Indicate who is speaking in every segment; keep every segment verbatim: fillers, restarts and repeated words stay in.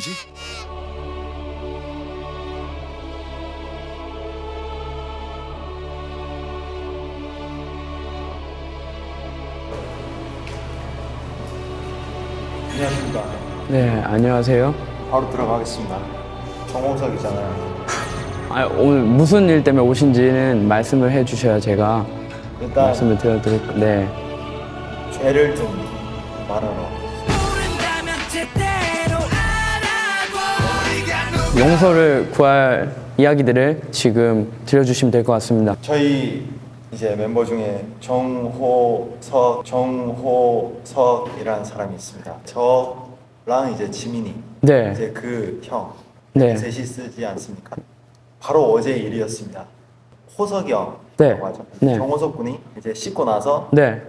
Speaker 1: 거지?
Speaker 2: 안녕하십니까.
Speaker 3: 네, 안녕하세요.
Speaker 2: 바로 들어가겠습니다. 정호석이잖아요.
Speaker 3: 아, 오늘 무슨 일 때문에 오신지는 말씀을 해주셔야 제가
Speaker 2: 일단
Speaker 3: 말씀을 드려드릴 거. 네,
Speaker 2: 죄를 좀 말하러.
Speaker 3: 용서를 구할 이야기들을 지금 들려주시면 될 것 같습니다.
Speaker 2: 저희 이제 멤버 중에 정호석, 정호석이라는 사람이 있습니다. 저랑 이제 지민이,
Speaker 3: 네,
Speaker 2: 이제 그 형,
Speaker 3: 네.
Speaker 2: 셋이 쓰지 않습니까? 바로 어제 일이었습니다. 호석이 형이라고
Speaker 3: 네.
Speaker 2: 하죠.
Speaker 3: 네.
Speaker 2: 정호석 군이 이제 씻고 나서
Speaker 3: 네,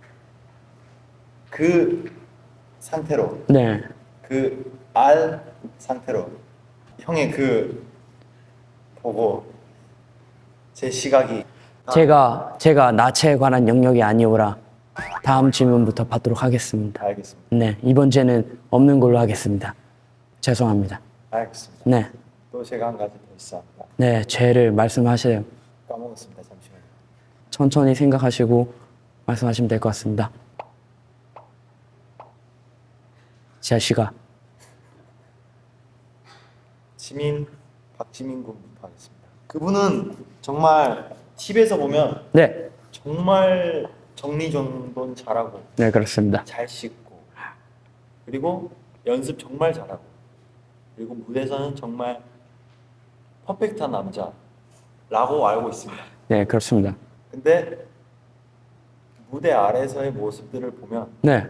Speaker 2: 그 상태로,
Speaker 3: 네,
Speaker 2: 그 알 상태로 형의 그 보고 제 시각이
Speaker 3: 제가 제가 나체에 관한 영역이 아니오라. 다음 질문부터 받도록 하겠습니다.
Speaker 2: 알겠습니다.
Speaker 3: 네, 이번 죄는 없는 걸로 하겠습니다. 죄송합니다.
Speaker 2: 알겠습니다.
Speaker 3: 네,
Speaker 2: 또 제가 한 가지 더 있습니다.
Speaker 3: 네, 죄를 말씀하세요.
Speaker 2: 까먹었습니다. 잠시만요.
Speaker 3: 천천히 생각하시고 말씀하시면 될 것 같습니다. 지아 씨가
Speaker 2: 지민, 박지민 군부터 하겠습니다. 그분은 정말 팁에서 보면
Speaker 3: 네,
Speaker 2: 정말 정리정돈 잘하고
Speaker 3: 네 그렇습니다.
Speaker 2: 잘 씻고 그리고 연습 정말 잘하고 그리고 무대에서는 정말 퍼펙트한 남자라고 알고 있습니다.
Speaker 3: 네 그렇습니다.
Speaker 2: 근데 무대 아래서의 모습들을 보면
Speaker 3: 네,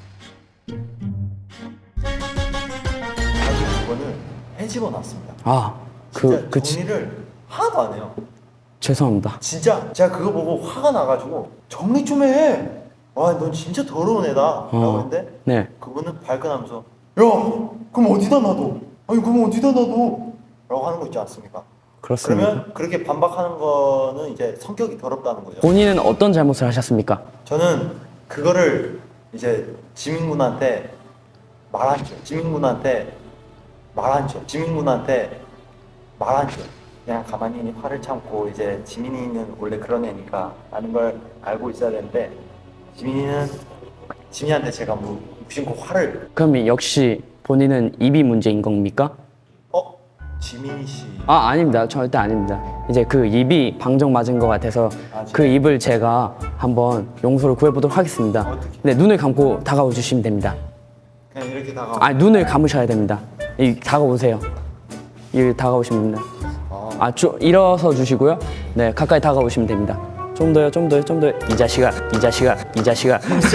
Speaker 2: 자기 그거는 해집어 놨습니다.
Speaker 3: 아,
Speaker 2: 진짜
Speaker 3: 그, 그, 지-
Speaker 2: 정리를 하나도 안 해요.
Speaker 3: 죄송합니다.
Speaker 2: 진짜 제가 그거 보고 화가 나가지고 정리 좀 해. 와, 넌 진짜 더러운 애다. 라고
Speaker 3: 어.
Speaker 2: 했는데
Speaker 3: 네,
Speaker 2: 그분은 발끈하면서 야, 그럼 어디다 놔둬? 아니, 그럼 어디다 놔둬? 라고 하는 거 있지 않습니까?
Speaker 3: 그렇습니다.
Speaker 2: 그러면 그렇게 반박하는 거는 이제 성격이 더럽다는 거죠.
Speaker 3: 본인은 어떤 잘못을 하셨습니까?
Speaker 2: 저는 그거를 이제 지민군한테 말하죠. 지민군한테 말하죠. 지민군한테 말하죠. 그냥 가만히 화를 참고 이제 지민이는 원래 그런 애니까 라는 걸 알고 있어야 되는데 지민이는 지민이한테 제가 무, 무심코 화를
Speaker 3: 그럼 역시 본인은 입이 문제인 겁니까?
Speaker 2: 어? 지민이 씨
Speaker 3: 아, 아닙니다. 절대 아닙니다. 이제 그 입이 방정 맞은 것 같아서
Speaker 2: 아,
Speaker 3: 그 입을 제가 한번 용서를 구해보도록 하겠습니다.
Speaker 2: 어떻게?
Speaker 3: 네, 눈을 감고 다가와 주시면 됩니다.
Speaker 2: 그냥 이렇게 다가
Speaker 3: 아, 눈을 감으셔야 됩니다. 이 다가오세요. 이 다가오시면 됩니다. 아, 쭉 일어서 주시고요. 네, 가까이 다가오시면 됩니다. 좀 더요, 좀 더요, 좀 더요. 이 자식아, 이 자식아, 이 자식아.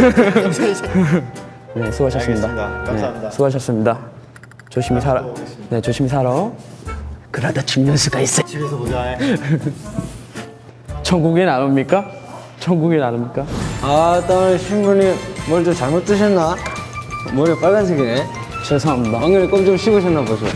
Speaker 3: 네, 수고하셨습니다.
Speaker 2: 알겠습니다. 감사합니다.
Speaker 3: 네, 수고하셨습니다. 조심히 살아.
Speaker 2: 또 오겠습니다.
Speaker 3: 네, 조심히 살아. 그러다 죽는 수가 있어.
Speaker 2: 집에서 보자 해.
Speaker 3: 천국엔 안 옵니까? 천국엔 안 옵니까?
Speaker 4: 아, 오늘 신부님 뭘 좀 잘못 드셨나? 머리가 빨간색이네.
Speaker 3: 죄송합니다.
Speaker 4: 왕년에 껌 좀 씹으셨나 보죠.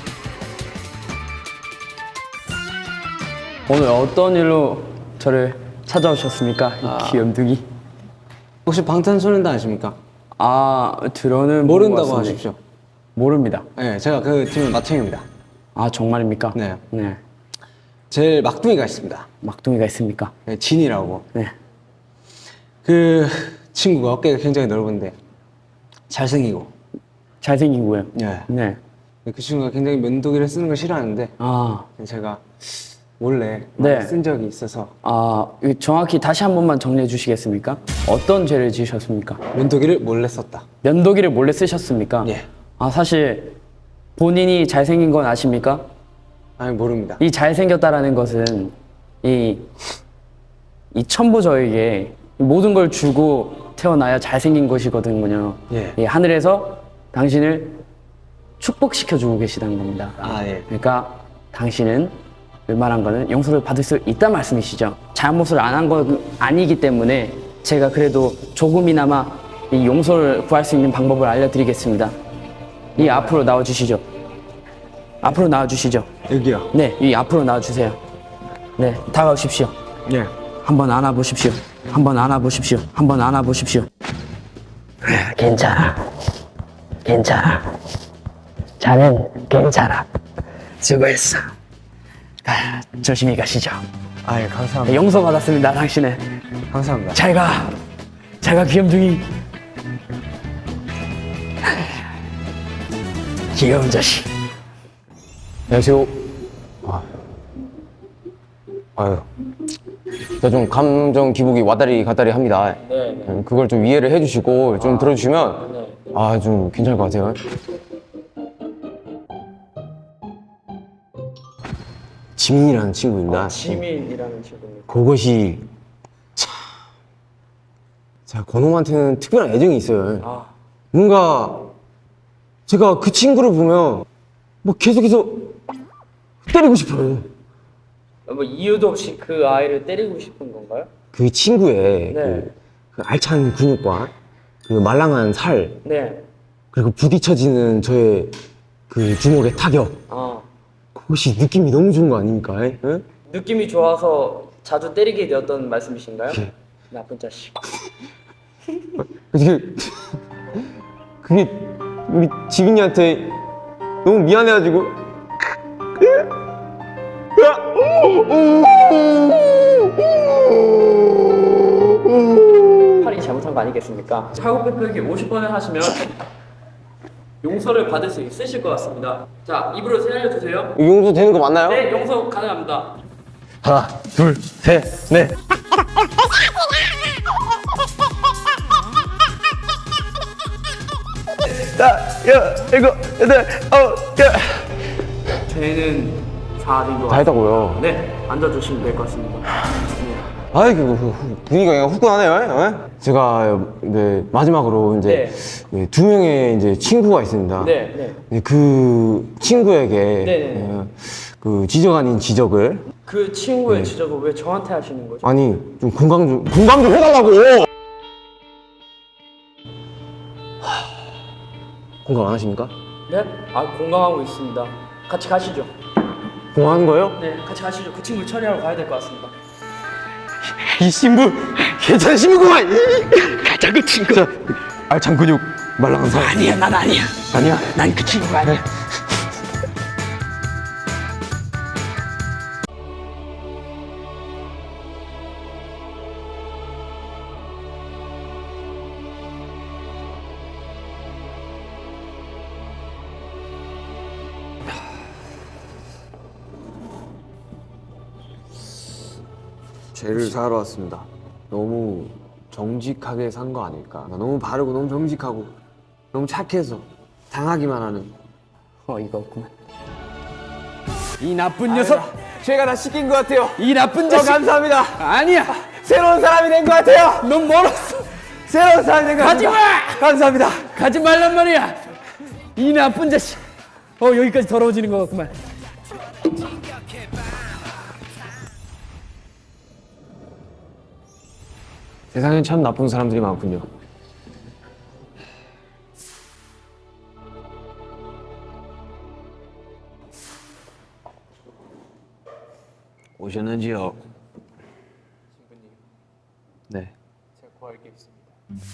Speaker 3: 오늘 어떤 일로 저를 찾아오셨습니까? 이 귀염둥이.
Speaker 4: 혹시 방탄소년단 아십니까?
Speaker 3: 아, 들어는
Speaker 4: 모른다고
Speaker 3: 본것 같습니다.
Speaker 4: 하십시오.
Speaker 3: 모릅니다.
Speaker 4: 네, 제가 그 팀의 마청입니다.
Speaker 3: 아, 정말입니까?
Speaker 4: 네.
Speaker 3: 네.
Speaker 4: 제일 막둥이가 있습니다.
Speaker 3: 막둥이가 있습니까?
Speaker 4: 네, 진이라고.
Speaker 3: 네.
Speaker 4: 그 친구가 어깨가 굉장히 넓은데 잘생기고.
Speaker 3: 잘생기고요.
Speaker 4: 네.
Speaker 3: 네.
Speaker 4: 그 친구가 굉장히 면도기를 쓰는 걸 싫어하는데
Speaker 3: 아,
Speaker 4: 제가 몰래
Speaker 3: 네.
Speaker 4: 많이 쓴 적이 있어서
Speaker 3: 아, 이거 정확히 다시 한 번만 정리해 주시겠습니까? 어떤 죄를 지으셨습니까?
Speaker 4: 면도기를 몰래 썼다.
Speaker 3: 면도기를 몰래 쓰셨습니까?
Speaker 4: 예.
Speaker 3: 아, 사실 본인이 잘생긴 건 아십니까?
Speaker 4: 아니, 모릅니다.
Speaker 3: 이 잘생겼다라는 것은 이, 이 천부저에게 모든 걸 주고 태어나야 잘생긴 것이거든요.
Speaker 4: 예.
Speaker 3: 이 하늘에서 당신을 축복시켜주고 계시다는 겁니다.
Speaker 4: 아, 예.
Speaker 3: 그러니까 당신은 웬만한 거는 용서를 받을 수 있단 말씀이시죠. 잘못을 안 한 건 아니기 때문에 제가 그래도 조금이나마 이 용서를 구할 수 있는 방법을 알려드리겠습니다. 이 앞으로 나와주시죠. 앞으로 나와주시죠.
Speaker 4: 여기요.
Speaker 3: 네, 이 앞으로 나와주세요. 네, 다가오십시오.
Speaker 4: 예.
Speaker 3: 한번 안아보십시오. 한번 안아보십시오. 한번 안아보십시오. 괜찮아. 괜찮아. 자넨 괜찮아. 수고했어. 아, 조심히 가시죠.
Speaker 4: 아예 감사합니다.
Speaker 3: 용서 받았습니다. 당신은
Speaker 4: 감사합니다.
Speaker 3: 잘 가. 잘 가 귀염둥이. 귀여운 자식.
Speaker 1: 안녕하세요. 아, 아유, 제가 좀 감정 기복이 왔다리 갔다리 합니다. 음, 그걸 좀 이해를 해주시고 좀 들어주시면 아, 좀 괜찮을 것 같아요. 지민이라는 친구입니다.
Speaker 3: 지민이라는 친구입니다.
Speaker 1: 그것이 참, 제가 그놈한테는 특별한 애정이 있어요.
Speaker 3: 아.
Speaker 1: 뭔가 제가 그 친구를 보면 뭐 계속해서 때리고 싶어요.
Speaker 3: 뭐 이유도 없이 그 아이를 때리고 싶은 건가요?
Speaker 1: 그 친구의
Speaker 3: 네.
Speaker 1: 그, 그 알찬 근육과 그 말랑한 살
Speaker 3: 네.
Speaker 1: 그리고 부딪혀지는 저의 그 주먹의 타격
Speaker 3: 아.
Speaker 1: 그것이 느낌이 너무 좋은 거 아닙니까? 에? 에?
Speaker 3: 느낌이 좋아서 자주 때리게 되었던 말씀이신가요?
Speaker 1: 예.
Speaker 3: 나쁜 자식.
Speaker 1: 그게 그게 우리 지민이한테 너무 미안해가지고
Speaker 3: 팔이 잘못한 거 아니겠습니까? 차고백백이 오십 번을 하시면 용서를 받을 수 있으실 것 같습니다. 자, 입으로 세 알려주세요.
Speaker 1: 용서 되는 거 맞나요?
Speaker 3: 네, 용서 가능합니다.
Speaker 1: 하나 둘셋넷 일곱 여덟 아홉 열
Speaker 3: 저희는 사 정도.
Speaker 1: 다 했다고요.
Speaker 3: 네, 앉아주시면 될 것 같습니다.
Speaker 1: 아이 그 후- 후- 분위기가 그냥 후끈하네요. 예? 제가 네, 마지막으로 이제 네, 두 명의 이제 친구가 있습니다.
Speaker 3: 네, 네.
Speaker 1: 네, 그 친구에게
Speaker 3: 네네.
Speaker 1: 어, 그 지적 아닌 지적을
Speaker 3: 그 친구의
Speaker 1: 네.
Speaker 3: 지적을 왜 저한테 하시는 거죠?
Speaker 1: 아니 좀 공감 좀 공감 좀 해달라고. 하, 공감 안 하십니까?
Speaker 3: 네? 아, 공감하고 있습니다. 같이 가시죠.
Speaker 1: 공감하는 거예요?
Speaker 3: 네, 같이 가시죠. 그 친구 처리하러 가야 될 것 같습니다.
Speaker 1: 이 신부 괜찮은 신부구만. 가자 그 친구. 자, 알찬 근육 말랑한 살.
Speaker 3: 아니야, 난 아니야.
Speaker 1: 아니야.
Speaker 3: 난 그 친구가 아니야.
Speaker 5: 죄를 사러 왔습니다. 너무 정직하게 산 거 아닐까? 너무 바르고 너무 정직하고 너무 착해서 당하기만 하는.
Speaker 3: 어, 이거 없구만.
Speaker 5: 이 나쁜 녀석! 죄가 다 씻긴 것 같아요.
Speaker 3: 이 나쁜 자식!
Speaker 5: 감사합니다.
Speaker 3: 아니야!
Speaker 5: 새로운 사람이 된 것 같아요.
Speaker 3: 넌 멀었어!
Speaker 5: 새로운 사람이 된 것
Speaker 3: 가지
Speaker 5: 같아요.
Speaker 3: 마!
Speaker 5: 감사합니다.
Speaker 3: 가지 말란 말이야! 이 나쁜 자식! 어, 여기까지 더러워지는 것 같구만.
Speaker 5: 세상엔 참 나쁜 사람들이 많군요. 오셨는지요?
Speaker 3: 신부님,
Speaker 5: 네.
Speaker 3: 제가 구할 게 있습니다.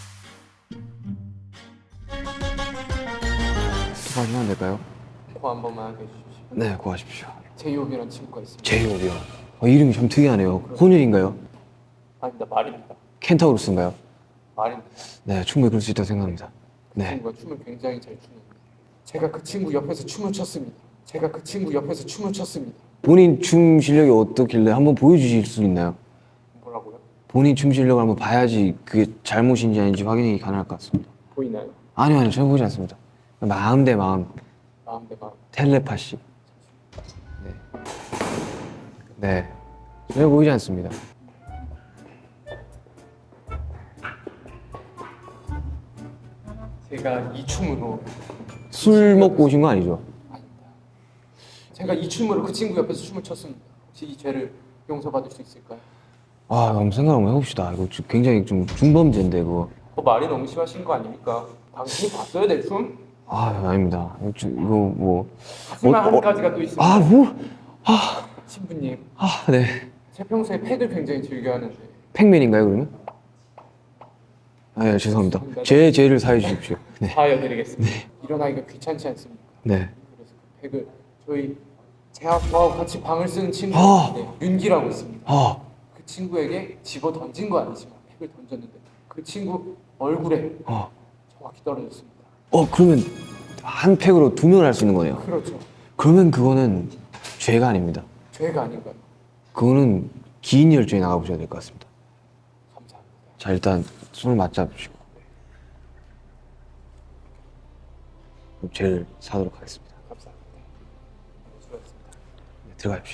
Speaker 5: 통화하시면 안 될까요?
Speaker 3: 코 한 번만 하게 해주십시오.
Speaker 5: 네, 구하십시오.
Speaker 3: 제이홉이라는 친구가 있습니다.
Speaker 5: 제이홉이요. 어, 이름이 좀 특이하네요. 혼혈인가요?
Speaker 3: 아닙니다, 말입니다.
Speaker 5: 켄타우루스인가요?
Speaker 3: 말입니다.
Speaker 5: 네, 충분히 그럴 수 있다고 생각합니다.
Speaker 3: 그
Speaker 5: 네.
Speaker 3: 친구가 춤을 굉장히 잘 추는. 제가 그 친구 옆에서 춤을 췄습니다. 제가 그 친구 옆에서 춤을 췄습니다.
Speaker 5: 본인 춤 실력이 어떻길래 한번 보여주실 수 있나요?
Speaker 3: 뭐라고요?
Speaker 5: 본인 춤 실력을 한번 봐야지 그게 잘못인지 아닌지 확인이 가능할 것 같습니다.
Speaker 3: 보이나요?
Speaker 5: 아니요, 아니요, 전혀 보지 않습니다. 마음 대 마음,
Speaker 3: 마음 대 마음.
Speaker 5: 텔레파시. 네. 네. 전혀 보이지 않습니다.
Speaker 3: 제가 이 춤으로
Speaker 5: 술 먹고 오신 거 아니죠?
Speaker 3: 제가 이 춤으로 그 친구 옆에서 춤을 췄습니다. 혹시 이 죄를 용서받을 수 있을까요?
Speaker 5: 아, 한번 생각 한번 해봅시다. 이거 좀 굉장히 좀 중범죄인데, 그거.
Speaker 3: 그 말이 너무 심하신 거 아닙니까? 당신이 봤어야 될 춤?
Speaker 5: 아, 아닙니다. 이거, 좀- 이거 뭐.
Speaker 3: 하지만
Speaker 5: 어,
Speaker 3: 한
Speaker 5: 어,
Speaker 3: 가지가 또 있습니다.
Speaker 5: 아, 뭐?
Speaker 3: 신부님,
Speaker 5: 아, 네.
Speaker 3: 제 평소에 팩을 굉장히 즐겨하는데
Speaker 5: 팩맨인가요, 그러면? 아, 예, 죄송합니다. 제 죄를 사해 주십시오. 네.
Speaker 3: 사여드리겠습니다. 일어나기가 귀찮지 않습니까? 네.
Speaker 6: 그래서 그 팩을 저희 제가 저하고 같이 방을 쓰는 친구가
Speaker 3: 아.
Speaker 6: 있는데 윤기라고 있습니다.
Speaker 3: 아,
Speaker 6: 그 친구에게 집어 던진 거 아니지만 팩을 던졌는데 그 친구 얼굴에
Speaker 3: 어.
Speaker 6: 정확히 떨어졌습니다.
Speaker 3: 어 그러면 한 팩으로 두 명을 할 수 있는 거네요.
Speaker 6: 그렇죠.
Speaker 3: 그러면 그거는 죄가 아닙니다.
Speaker 6: 죄가 아닌가요?
Speaker 3: 그거는 기인 열중에 나가보셔야 될 것 같습니다.
Speaker 6: 감사합니다.
Speaker 3: 자 일단 손을 맞잡으시고 죄를 사도록 하겠습니다.
Speaker 6: 감사합니다. 수고하셨습니다.
Speaker 3: 네, 들어가십시오.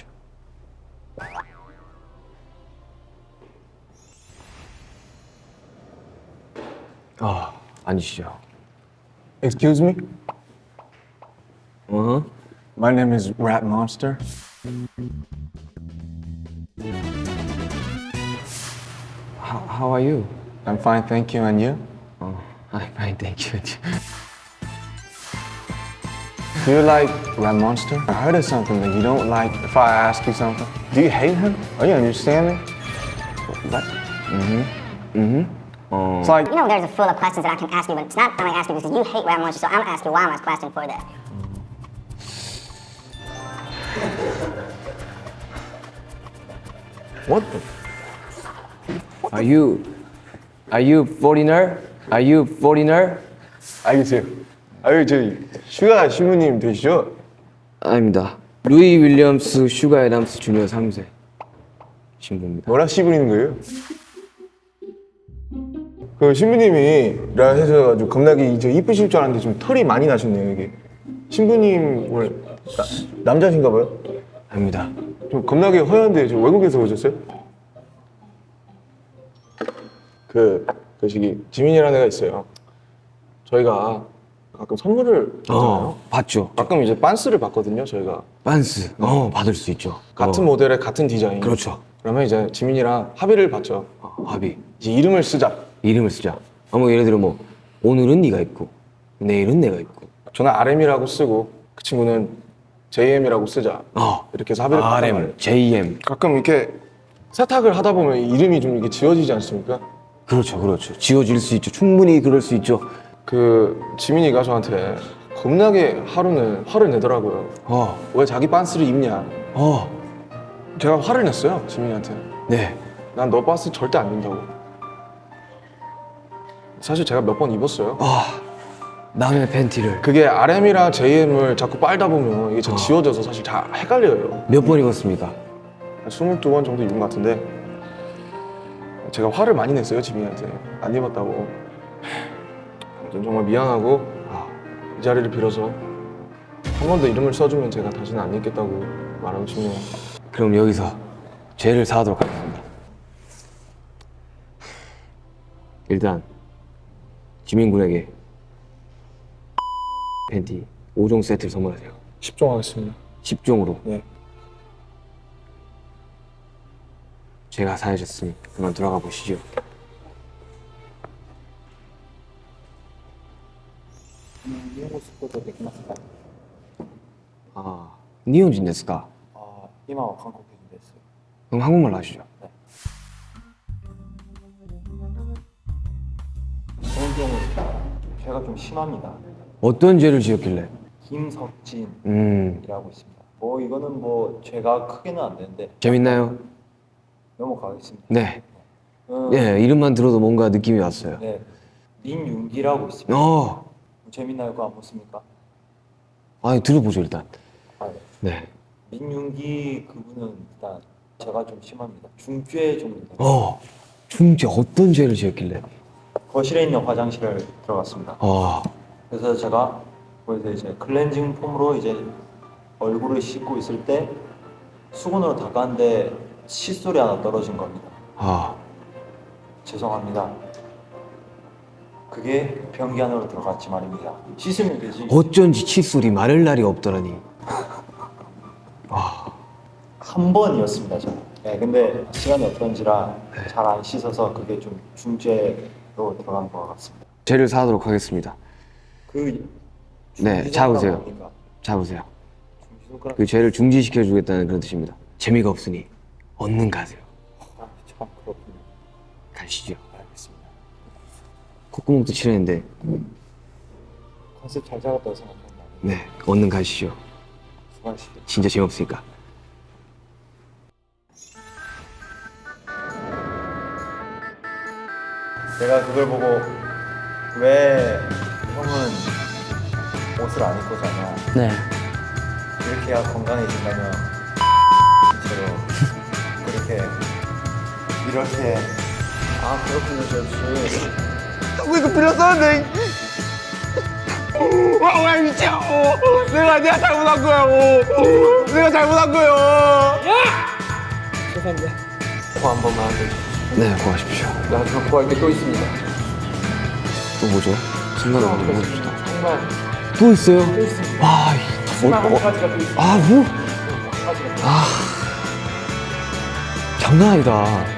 Speaker 3: 아 앉으시죠.
Speaker 7: Excuse me?
Speaker 3: 어?
Speaker 7: My name is Rat Monster.
Speaker 3: How, how are you?
Speaker 7: I'm fine, thank you. And you?
Speaker 3: 어, I'm fine, thank you.
Speaker 7: Do you like Rat Monster? I heard of something that you don't like if I ask you something. Do you hate him? Are you understand me?
Speaker 3: What? Mm-hmm. Mm-hmm. 어.
Speaker 7: It's like,
Speaker 8: You know, there's a full of questions that I can ask you, but it's not I'm gonna ask you because you hate Rat Monster, so I'm gonna ask you why am I question for that.
Speaker 7: what the?
Speaker 3: Are you Are you foreigner? Are you foreigner?
Speaker 7: 알겠어요. 아유, 저 슈가 신부님 되시죠?
Speaker 3: 아닙니다. 루이 윌리엄스 슈가 애담스 주니어 삼 세 신부입니다.
Speaker 7: 뭐라 씹으리는 거예요? 그 신부님이라 해서가지고 겁나게 저 이쁘실 줄 알았는데 좀 털이 많이 나셨네요, 이게. 신부님 원래 나, 남자신가 봐요?
Speaker 3: 아닙니다.
Speaker 7: 좀 겁나게 허연데 저 외국에서 오셨어요? 그, 그 시기 지민이라는 애가 있어요. 저희가 가끔 선물을 받잖아요.
Speaker 3: 어, 봤죠.
Speaker 7: 가끔 이제 빤스를 받거든요, 저희가.
Speaker 3: 빤스. 어, 받을 수 있죠.
Speaker 7: 같은
Speaker 3: 어.
Speaker 7: 모델의 같은 디자인.
Speaker 3: 그렇죠.
Speaker 7: 그러면 이제 지민이랑 합의를 받죠.
Speaker 3: 어, 합의.
Speaker 7: 이제 이름을 쓰자.
Speaker 3: 이름을 쓰자. 아, 뭐 예를 들어 뭐 오늘은 네가 있고 내일은 내가 있고.
Speaker 7: 저는 알엠이라고 쓰고 그 친구는 제이엠이라고 쓰자.
Speaker 3: 어.
Speaker 7: 이렇게 해서 합의를 받단 말이에요.
Speaker 3: 알엠, 제이엠.
Speaker 7: 가끔 이렇게 세탁을 하다 보면 이름이 좀 이렇게 지워지지 않습니까?
Speaker 3: 그렇죠, 그렇죠. 지워질 수 있죠. 충분히 그럴 수 있죠.
Speaker 7: 그 지민이가 저한테 겁나게 하루는 화를 내더라고요.
Speaker 3: 어,
Speaker 7: 왜 자기 빤스를 입냐?
Speaker 3: 어,
Speaker 7: 제가 화를 냈어요, 지민이한테.
Speaker 3: 네.
Speaker 7: 난 너 빤스 절대 안 입는다고. 사실 제가 몇 번 입었어요.
Speaker 3: 아, 남의 팬티를
Speaker 7: 그게 알엠이랑 제이엠을 자꾸 빨다 보면 이게 잘 지워져서 사실 잘 헷갈려요.
Speaker 3: 몇 번 입었습니까?
Speaker 7: 한 스물두 번 정도 입은 것 같은데 제가 화를 많이 냈어요, 지민이한테. 안 입었다고. 아무튼 정말 미안하고 아, 이 자리를 빌어서 한 번 더 이름을 써주면 제가 다시는 안 입겠다고 말하고 싶네요.
Speaker 3: 그럼 여기서 죄를 사하도록 하겠습니다. 일단 지민 군에게 팬티 오 종 세트를 선물하세요.
Speaker 7: 십 종 하겠습니다.
Speaker 3: 십 종으로.
Speaker 7: 네.
Speaker 3: 죄가 사해졌으니 그만 들어가 보시죠. 아, 니혼진 데스까?
Speaker 2: 아, 이마와 한국 됐어요.
Speaker 3: 그럼 한국말로 하시죠.
Speaker 2: 저는 좀 제가 좀 심합니다.
Speaker 3: 어떤 죄를 지었길래?
Speaker 2: 김석진이라고
Speaker 3: 음,
Speaker 2: 있습니다. 뭐 이거는 뭐 죄가 크게는 안 되는데
Speaker 3: 재밌나요?
Speaker 2: 넘어가겠습니다.
Speaker 3: 네.
Speaker 2: 음,
Speaker 3: 예, 이름만 들어도 뭔가 느낌이 왔어요.
Speaker 2: 네, 민윤기라고 있습니다.
Speaker 3: 어,
Speaker 2: 재밌나요? 그거 안 보십니까?
Speaker 3: 아니 들어보죠 일단.
Speaker 2: 아, 네.
Speaker 3: 네.
Speaker 2: 민윤기 그분은 일단 제가 좀 심합니다. 중죄 좀
Speaker 3: 어, 중죄 어떤 죄를 지었길래?
Speaker 2: 거실에 있는 화장실을 들어갔습니다.
Speaker 3: 어,
Speaker 2: 그래서 제가 거기서 이제 클렌징 폼으로 이제 얼굴을 씻고 있을 때 수건으로 닦았는데 칫솔이 하나 떨어진 겁니다.
Speaker 3: 아,
Speaker 2: 죄송합니다. 그게 변기 안으로 들어갔지 말입니다. 씻으면 되지.
Speaker 3: 어쩐지 칫솔이 마를 날이 없더라니.
Speaker 2: 한 번이었습니다, 저는. 네, 근데 시간이 없던지라 잘 안 씻어서 그게 좀 중죄로 들어간 것 같습니다.
Speaker 3: 죄를 사하도록 하겠습니다.
Speaker 2: 그
Speaker 3: 네,
Speaker 2: 중지손가락
Speaker 3: 잡으세요.
Speaker 2: 뭡니까?
Speaker 3: 잡으세요.
Speaker 2: 중지손가락
Speaker 3: 그 죄를 중지시켜 주겠다는 그런 뜻입니다. 재미가 없으니 얻는 가세요.
Speaker 2: 아, 참 그렇군요.
Speaker 3: 가시죠.
Speaker 2: 알겠습니다.
Speaker 3: 콧구멍도 칠했는데
Speaker 2: 컨셉 잘 잡았다고 생각합니다.
Speaker 5: 네, 얼른 가시죠.
Speaker 2: 수고하시죠.
Speaker 5: 진짜 재미없으니까.
Speaker 2: 내가 그걸 보고 왜 형은 옷을 안 입고 자냐.
Speaker 3: 네.
Speaker 2: 이렇게 해야 건강해진다며. 처럼 그렇게 이렇게.
Speaker 6: 아 그렇군요 저씨.
Speaker 5: 왜 이거 빌렸었는데? 와, 와 미쳐. 내가 내가 잘못한 거야. 오. 내가 잘못한 거예요.
Speaker 6: 죄송합니다.
Speaker 2: 코 한 번만 하세요.
Speaker 5: 네, 고하십시오.
Speaker 6: 나중에 구할 게 또 있습니다.
Speaker 5: 또 뭐죠? 생각을 한번 해봅시다.
Speaker 6: 정말
Speaker 5: 또 있어요?
Speaker 6: 또 있습니다.
Speaker 5: 와, 이-
Speaker 6: 마지막
Speaker 5: 뭐,
Speaker 6: 한
Speaker 5: 뭐,
Speaker 6: 가지가 또 있습니다.
Speaker 5: 아, 뭐?
Speaker 6: 한 가지가 또
Speaker 5: 아, 장난 아니다.